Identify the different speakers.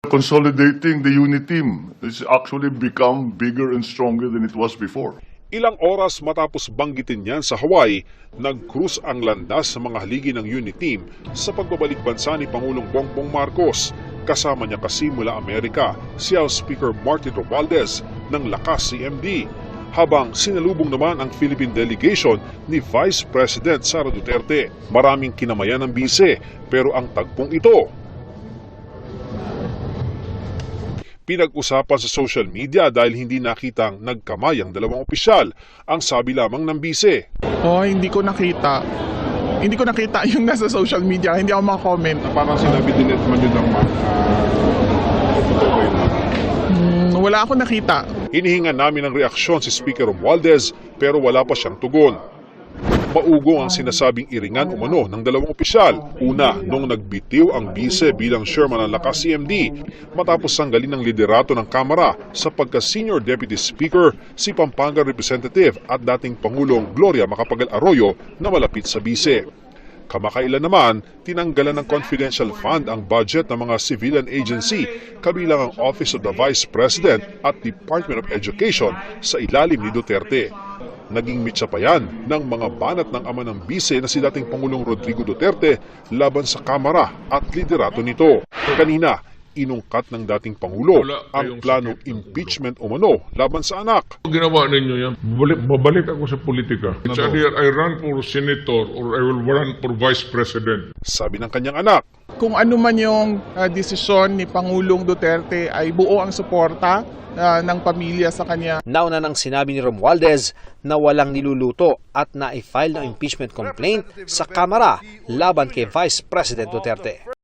Speaker 1: Consolidating the unit team has actually become bigger and stronger than it was before.
Speaker 2: Ilang oras matapos banggitin niyan sa Hawaii, nag-cruise ang landas sa mga haligi ng unit team sa pagbabalik bansa ni Pangulong Bongbong Marcos. Kasama niya kasi mula Amerika si House Speaker Martin Romualdez ng Lakas CMD. Habang sinalubong naman ang Philippine delegation ni Vice President Sara Duterte. Maraming kinamayan ng bise, pero ang tagpong ito pinag-usapan sa social media dahil hindi nakitang nagkamay ang dalawang opisyal, ang sabi lamang ng bise.
Speaker 3: Hindi ko nakita. Hindi ko nakita yung nasa social media, hindi ako makakomment.
Speaker 4: Parang sinabi din at man yun ang
Speaker 3: Wala ako nakita.
Speaker 2: Hinihingan namin ng reaksyon si Speaker Romualdez pero wala pa siyang tugon. Maugong ang sinasabing iringan umano ng dalawang opisyal. Una, nung nagbitiw ang bise bilang chairman ng Lakas CMD matapos sanggalin ng liderato ng Kamara sa pagka-Senior Deputy Speaker si Pampanga Representative at dating Pangulong Gloria Macapagal Arroyo na malapit sa bise. Kamakailan naman, tinanggalan ng confidential fund ang budget ng mga civilian agency kabilang ang Office of the Vice President at Department of Education sa ilalim ni Duterte. Naging mitsa pa yan ng mga banat ng ama ng bise na si dating Pangulong Rodrigo Duterte laban sa Kamara at liderato nito. Kanina, inungkat ng dating Pangulo ang planong impeachment umano laban sa anak.
Speaker 4: Ginawa ninyo yan, babalik ako sa politika. It's either I run for senator or I will run for vice president.
Speaker 2: Sabi ng kanyang anak.
Speaker 3: Kung ano man yung desisyon ni Pangulong Duterte ay buo ang suporta ng pamilya sa kanya.
Speaker 5: Nauna nang sinabi ni Romualdez na walang niluluto at na-file ng impeachment complaint sa Kamara laban kay Vice President Duterte.